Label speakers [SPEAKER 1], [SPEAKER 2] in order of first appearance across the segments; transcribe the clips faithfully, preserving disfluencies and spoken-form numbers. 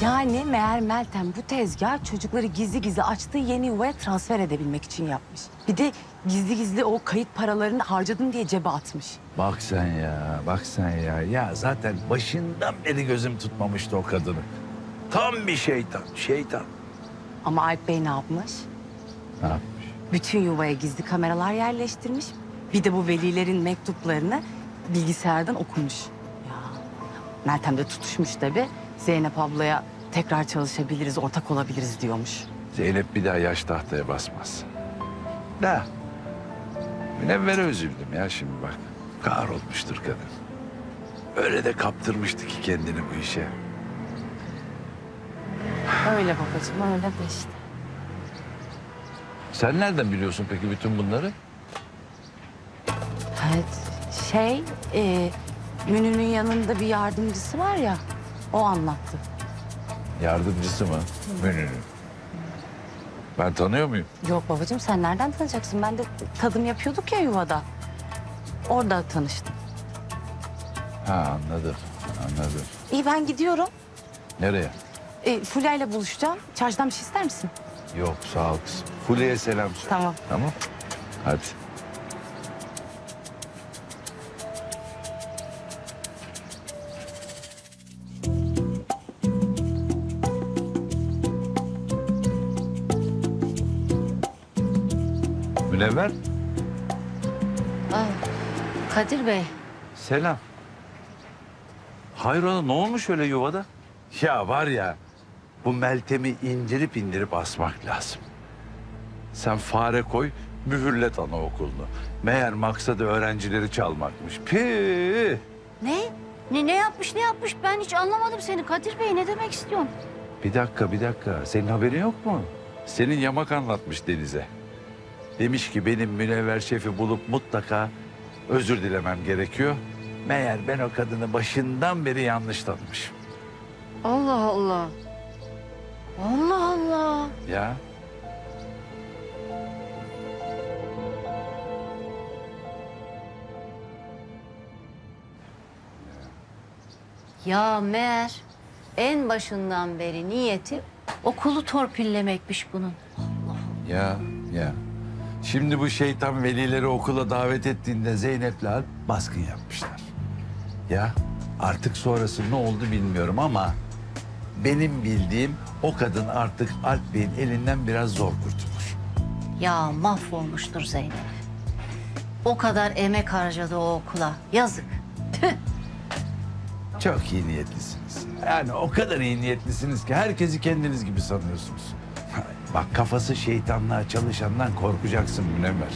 [SPEAKER 1] Yani meğer Meltem bu tezgah çocukları gizli gizli açtığı yeni yuvaya transfer edebilmek için yapmış. Bir de gizli gizli o kayıt paralarını harcadım diye cebe atmış.
[SPEAKER 2] Bak sen ya, bak sen ya. Ya zaten başından beri gözüm tutmamıştı o kadını. Tam bir şeytan, şeytan.
[SPEAKER 1] Ama Alp Bey ne yapmış?
[SPEAKER 2] Ne yapmış?
[SPEAKER 1] Bütün yuvaya gizli kameralar yerleştirmiş. Bir de bu velilerin mektuplarını bilgisayardan okumuş. Ya Meltem de tutuşmuş tabii. Zeynep ablaya tekrar çalışabiliriz, ortak olabiliriz diyormuş.
[SPEAKER 2] Zeynep bir daha yaş tahtaya basmaz. Da. Münevvere üzüldüm ya şimdi bak. Kahrolmuştur kadın. Öyle de kaptırmıştı ki kendini bu işe.
[SPEAKER 1] Öyle babacığım, öyle de işte.
[SPEAKER 2] Sen nereden biliyorsun peki bütün bunları?
[SPEAKER 1] Evet, şey, e, Münir'in yanında bir yardımcısı var ya, o anlattı.
[SPEAKER 2] Yardımcısı mı? Münir'in. Ben tanıyor muyum?
[SPEAKER 1] Yok babacığım, sen nereden tanıyacaksın? Ben de tadım yapıyorduk ya yuvada. Orada tanıştım.
[SPEAKER 2] Ha anladım, anladım.
[SPEAKER 1] İyi, ben gidiyorum.
[SPEAKER 2] Nereye?
[SPEAKER 1] E, Fulya ile buluşacağım. Çarşıdan bir şey ister misin?
[SPEAKER 2] Yok sağ ol kızım. Fulya'ya selam söyle.
[SPEAKER 1] Tamam.
[SPEAKER 2] Tamam. Hadi. Münevver.
[SPEAKER 3] Aa, Kadir Bey,
[SPEAKER 2] Selam. Hayrola ne olmuş öyle yuvada? Ya var ya bu Meltem'i indirip indirip asmak lazım. Sen fare koy mühürlet anaokulunu. Meğer maksadı öğrencileri çalmakmış. Püh!
[SPEAKER 3] ne? Ne ne yapmış, ne yapmış? Ben hiç anlamadım seni Kadir Bey. Ne demek istiyorsun?
[SPEAKER 2] Bir dakika bir dakika senin haberin yok mu? Senin yamak anlatmış Deniz'e. Demiş ki benim Münevver şefi bulup mutlaka özür dilemem gerekiyor. Meğer ben o kadını başından beri yanlış tanımışım.
[SPEAKER 3] Allah Allah. Allah Allah.
[SPEAKER 2] Ya
[SPEAKER 3] Ya meğer en başından beri niyeti okulu torpillemekmiş bunun.
[SPEAKER 2] ya ya. Şimdi bu şeytan velileri okula davet ettiğinde Zeynep'le Alp baskın yapmışlar. Ya artık sonrası ne oldu bilmiyorum ama benim bildiğim o kadın artık Alp Bey'in elinden biraz zor kurtulur.
[SPEAKER 3] Ya mahvolmuştur Zeynep. O kadar emek harcadı o okula. Yazık. Tüh.
[SPEAKER 2] Çok iyi niyetlisiniz. Yani o kadar iyi niyetlisiniz ki herkesi kendiniz gibi sanıyorsunuz. Bak kafası şeytanlığa çalışandan korkacaksın Münevver.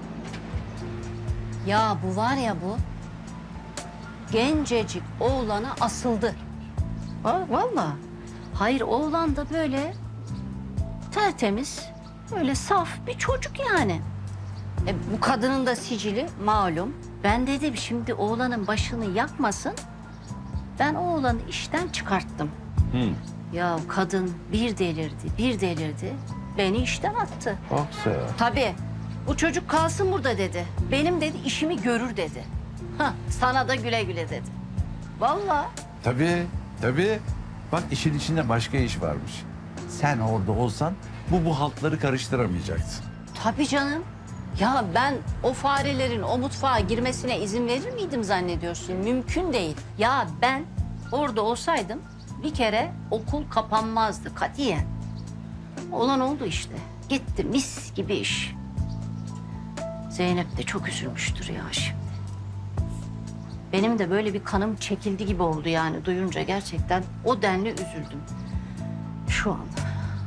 [SPEAKER 3] Ya bu var ya bu. Gencecik oğlana asıldı. Va- Vallahi. Hayır oğlan da böyle tertemiz, böyle saf bir çocuk yani. E, bu kadının da sicili malum. Ben dedim şimdi oğlanın başını yakmasın. Ben o oğlanı işten çıkarttım.
[SPEAKER 2] Hı.
[SPEAKER 3] Ya kadın bir delirdi, bir delirdi. Beni işten attı.
[SPEAKER 2] Baksa ya.
[SPEAKER 3] Tabii. Bu çocuk kalsın burada dedi. Benim dedi işimi görür dedi. Hah, sana da güle güle dedi. Vallahi.
[SPEAKER 2] Tabii, tabii. Bak işin içinde başka iş varmış. Sen orada olsan bu bu haltları karıştıramayacaktın.
[SPEAKER 3] Tabii canım. Ya ben o farelerin o mutfağa girmesine izin verir miydim zannediyorsun? Mümkün değil. Ya ben orada olsaydım bir kere okul kapanmazdı katiyen. Olan oldu işte. Gitti mis gibi iş. Zeynep de çok üzülmüştür ya şimdi. Benim de böyle bir kanım çekildi gibi oldu yani duyunca gerçekten o denli üzüldüm. Şu anda.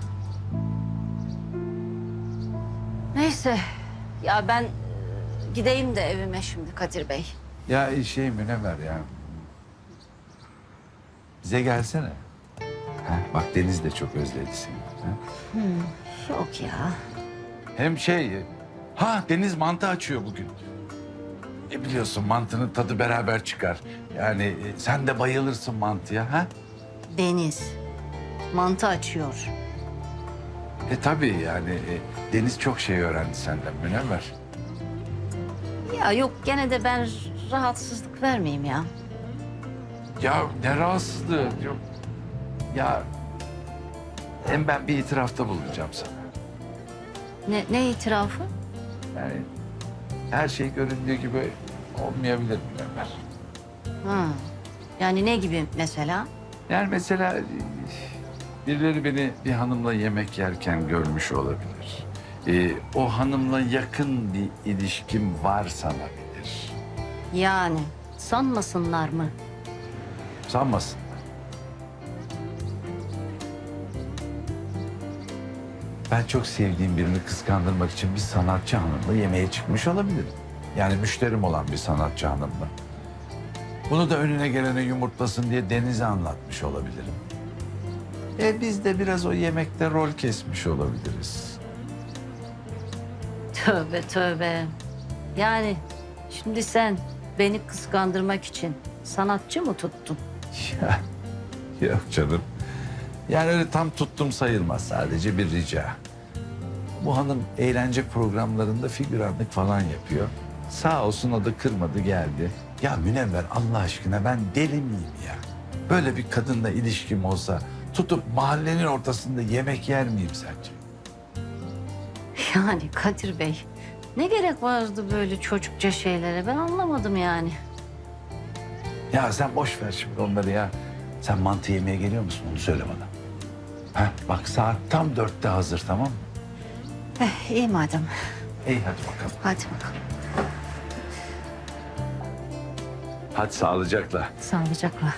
[SPEAKER 3] Neyse ya ben e, gideyim de evime şimdi Kadir Bey.
[SPEAKER 2] Ya şey Münevver ya. Bize gelsene. Ha, bak Deniz de çok özledi seni. Ha?
[SPEAKER 3] Yok ya.
[SPEAKER 2] Hem şey... Ha Deniz mantı açıyor bugün. E biliyorsun mantının tadı beraber çıkar. Yani e, sen de bayılırsın mantıya ha?
[SPEAKER 3] Deniz mantı açıyor.
[SPEAKER 2] E tabii yani e, Deniz çok şey öğrendi senden Münevver.
[SPEAKER 3] Ya yok gene de ben rahatsızlık vermeyeyim ya.
[SPEAKER 2] Ya ne rahatsızlığı. Yok. Ya Hem ben bir itirafta bulunacağım sana.
[SPEAKER 3] Ne, ne itirafı?
[SPEAKER 2] Yani her şey göründüğü gibi olmayabilir Münevver.
[SPEAKER 3] Ha. Yani ne gibi mesela?
[SPEAKER 2] Yani mesela birileri beni bir hanımla yemek yerken görmüş olabilir. Ee, o hanımla yakın bir ilişkim var sanabilir.
[SPEAKER 3] Yani sanmasınlar mı?
[SPEAKER 2] Sanmasın. Ben çok sevdiğim birini kıskandırmak için bir sanatçı hanımla yemeğe çıkmış olabilirim. Yani müşterim olan bir sanatçı hanımla. Bunu da önüne gelene yumurtlasın diye Deniz'e anlatmış olabilirim. E biz de biraz o yemekte rol kesmiş olabiliriz.
[SPEAKER 3] Tövbe tövbe. Yani şimdi sen beni kıskandırmak için sanatçı mı tuttun?
[SPEAKER 2] Ya, yok canım. Yani öyle tam tuttum sayılmaz. Sadece bir rica. Bu hanım eğlence programlarında figüranlık falan yapıyor. Sağ olsun o da kırmadı geldi. Ya Münevver Allah aşkına ben deli miyim ya? Böyle bir kadınla ilişkim olsa tutup mahallenin ortasında yemek yer miyim sence?
[SPEAKER 3] Yani Kadir Bey, ne gerek vardı böyle çocukça şeylere? Ben anlamadım yani.
[SPEAKER 2] Ya sen boş ver şimdi onları ya. Sen mantı yemeye geliyor musun onu söyle bana. Ha, bak saat tam dörtte hazır tamam mı?
[SPEAKER 3] Eh, iyi madem.
[SPEAKER 2] İyi hadi bakalım.
[SPEAKER 3] Hadi bakalım.
[SPEAKER 2] Hadi sağlıcakla.
[SPEAKER 3] Sağlıcakla.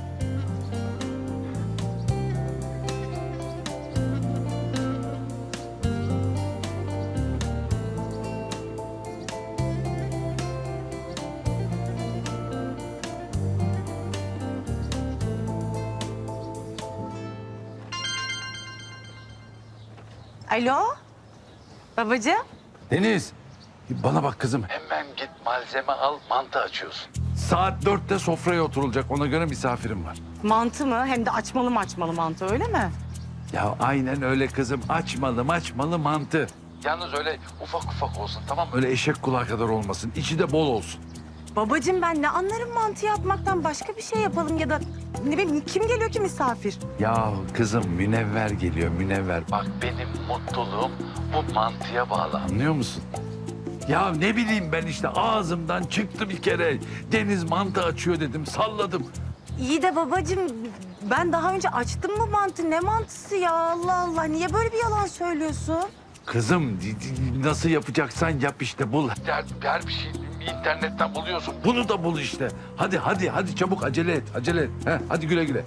[SPEAKER 1] Alo? Babacığım?
[SPEAKER 2] Deniz, bana bak kızım. Hemen git malzeme al, mantı açıyorsun. Saat dörtte sofraya oturulacak. Ona göre misafirim var.
[SPEAKER 1] Mantı mı? Hem de açmalı mı açmalı mantı öyle mi?
[SPEAKER 2] Ya aynen öyle kızım. Açmalı açmalı mantı. Yalnız öyle ufak ufak olsun tamam mı? Öyle eşek kulağı kadar olmasın. İçi de bol olsun.
[SPEAKER 1] Babacığım ben ne anlarım mantı yapmaktan, başka bir şey yapalım ya da ne bileyim kim geliyor ki misafir?
[SPEAKER 2] Ya kızım Münevver geliyor Münevver. Bak benim mutluluğum bu mantıya bağlı anlıyor musun? Ya ne bileyim ben işte ağzımdan çıktı bir kere. Deniz mantı açıyor dedim salladım.
[SPEAKER 1] İyi de babacığım ben daha önce açtım mı mantı? Ne mantısı ya Allah Allah, niye böyle bir yalan söylüyorsun?
[SPEAKER 2] Kızım di- di- nasıl yapacaksan yap işte bul. Her, her bir şey internetten buluyorsun. Bunu da bul işte. Hadi hadi hadi çabuk acele et acele et. Heh, hadi güle güle.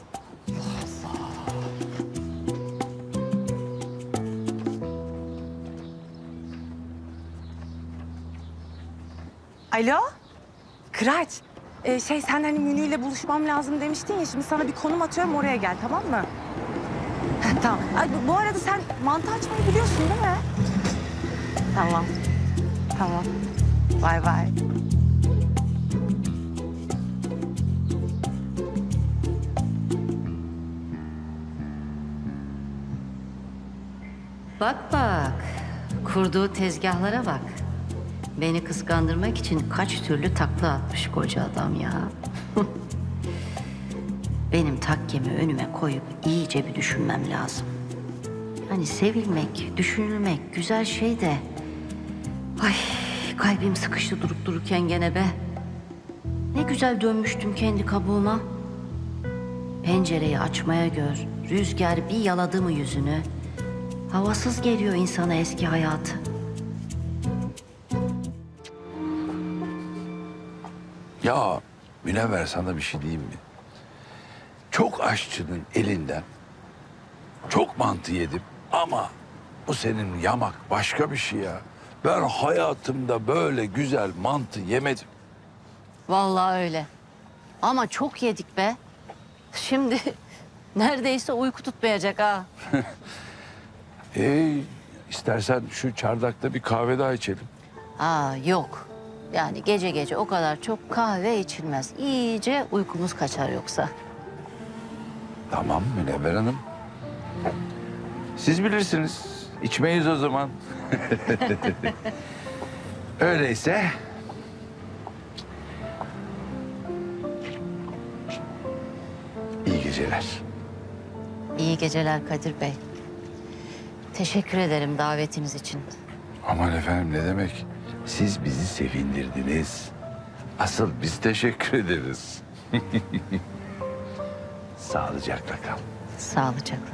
[SPEAKER 1] Alo? Kıraç. Ee, şey sen hani Münü ile buluşmam lazım demiştin ya, şimdi sana bir konum atıyorum, oraya gel tamam mı? Heh, tamam. Ay, bu, bu arada sen mantı açmayı biliyorsun değil mi? Tamam. Tamam. Bay bay.
[SPEAKER 3] Bak bak, kurduğu tezgahlara bak. Beni kıskandırmak için kaç türlü takla atmış koca adam ya. Benim takkemi önüme koyup iyice bir düşünmem lazım. Hani sevilmek, düşünülmek güzel şey de... Ay kalbim sıkıştı durup dururken gene be. Ne güzel dönmüştüm kendi kabuğuma. Pencereyi açmaya gör, rüzgar bir yaladı mı yüzünü... Havasız geliyor insana eski hayatı.
[SPEAKER 2] Ya Münevver sana bir şey diyeyim mi? Çok aşçının elinden çok mantı yedim ama bu senin yamak başka bir şey ya. Ben hayatımda böyle güzel mantı yemedim.
[SPEAKER 3] Vallahi öyle. Ama çok yedik be. Şimdi neredeyse uyku tutmayacak ha.
[SPEAKER 2] Ee, istersen şu çardakta bir kahve daha içelim.
[SPEAKER 3] Aa yok. Yani gece gece o kadar çok kahve içilmez. İyice uykumuz kaçar yoksa.
[SPEAKER 2] Tamam Münevver Hanım. Siz bilirsiniz. İçmeyiz o zaman. Öyleyse... İyi geceler.
[SPEAKER 3] İyi geceler Kadir Bey. Teşekkür ederim davetiniz için.
[SPEAKER 2] Aman efendim ne demek? Siz bizi sevindirdiniz. Asıl biz teşekkür ederiz. Sağlıcakla kal.
[SPEAKER 3] Sağlıcakla.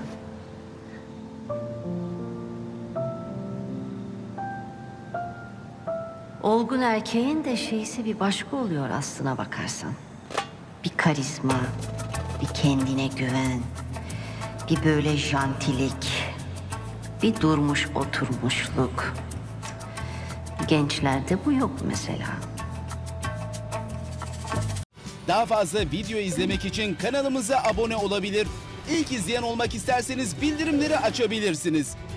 [SPEAKER 3] Olgun erkeğin de şeysi bir başka oluyor aslına bakarsan. Bir karizma, bir kendine güven, bir böyle jantilik, bir durmuş oturmuşluk. Gençlerde bu yok mesela.
[SPEAKER 4] Daha fazla video izlemek için kanalımıza abone olabilir. İlk izleyen olmak isterseniz bildirimleri açabilirsiniz.